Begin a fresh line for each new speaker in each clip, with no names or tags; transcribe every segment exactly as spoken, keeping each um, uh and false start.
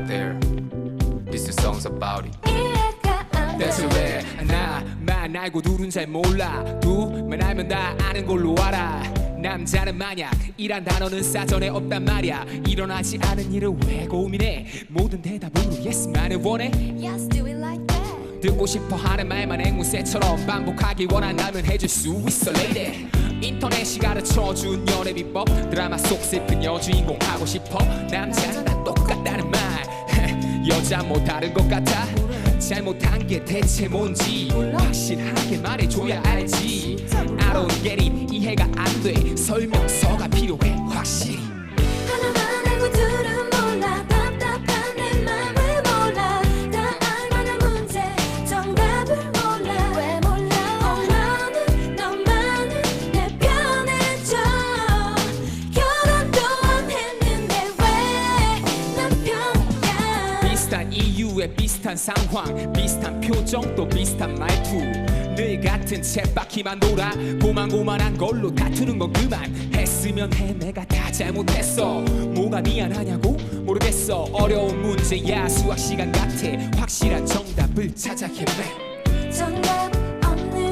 there. This song's about it.
That's
왜 나만 알고 둘은 잘 몰라. 두만 알면 다 아는 걸로 알아. 남자는 만약 이란 단어는 사전에 없단 말야. 일어나지 않은 일을 왜 고민해. 모든 대답으로 yes만을 원해.
Yes, do it like that.
듣고 싶어 하는 말만 앵무새처럼 반복하길 원한다면 해줄 수 있어 lady. 인터넷이 가르쳐준 연애 비법. 드라마 속 슬픈 여주인공 하고 싶어. 남자는 다 똑같다는 말. 여자 뭐 다른 것 같아. 잘못한 게 대체 뭔지 확실하게 말해줘야 알지. I don't get it. 이해가 안 돼. 설명서가 필요해 확실히.
하나만 알고 둘은 몰라. 답답한 내 맘을 몰라. 다 알만한 문제 정답을 몰라. 왜 몰라. 엄마는 너만은 내 편해져. 결혼도 안 했는데 왜 남편이야.
비슷한 이유에 비슷한 상황, 비슷한 표정 또 비슷한 말투. 늘 같은 쳇바퀴만 돌아 고만고만한 걸로 다투는 건 그만. 했으면 해. 내가 다 잘못했어. 뭐가 미안하냐고 모르겠어. 어려운 문제야 수학 시간 같아. 확실한 정답을 찾아 헤매.
정답 없는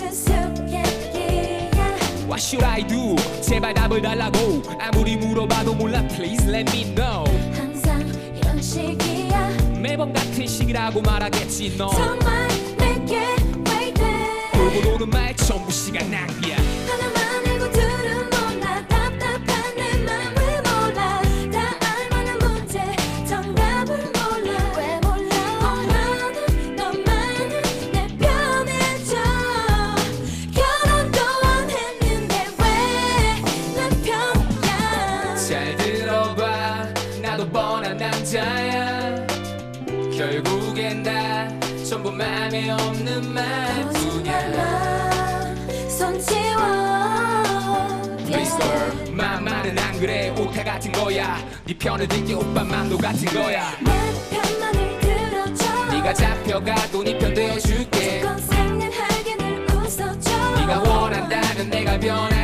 수수께끼야.
What should I do? 제발 답을 달라고. 아무리 물어봐도 몰라. Please let me know.
항상 이런 식이야.
매번 같은 식이라고 말하겠지 너.
정말 내게 왜 이래.
돌고 도는 말 전부 시간 낭비야.
하나만 알고 둘은 몰라. 답답한 내 맘을 몰라. 다 알만한 문제 정답을 몰라. 왜 몰라. 엄마는 너만은 내 편해져. 결혼도 안 했는데 왜 남편이야.
잘 들어봐. 나도 뻔한 남자야. 결국엔 다 전부 맘에 없는 말뿐이야.
손 치워.
Please girl, 맘만은 안 그래. 오타 같은 거야. 네 편을 들게 오빠 맘도 같은 거야.
내 편만을 들어줘.
네가 잡혀가도 네 편 되어줄게.
무조건 생년하게 늘 웃어줘.
네가 원한다면 내가 변해.